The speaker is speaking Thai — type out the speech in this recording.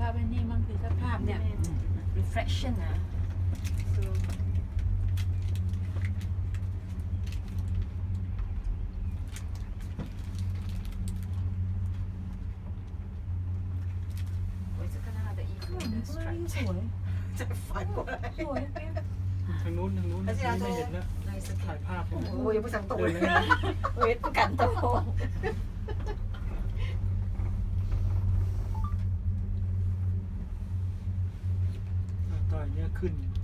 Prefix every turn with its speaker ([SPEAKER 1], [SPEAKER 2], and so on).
[SPEAKER 1] พอันนี้มันคือสภาพเนี่ย
[SPEAKER 2] reflection นะโอ้ยจะขนาดแต่อีก
[SPEAKER 1] สวย
[SPEAKER 2] จะฝันกว่าอะไร
[SPEAKER 1] สวย
[SPEAKER 3] ทางนู้นไม่เห็นแล้ว
[SPEAKER 2] ในส
[SPEAKER 3] ถ่ายภาพ
[SPEAKER 2] โอ้ยยังไม่สั่งตัว
[SPEAKER 3] เดิน
[SPEAKER 2] เลย
[SPEAKER 3] เลย
[SPEAKER 2] เวทประกันตัว
[SPEAKER 3] ต่อยเนี้ยขึ้น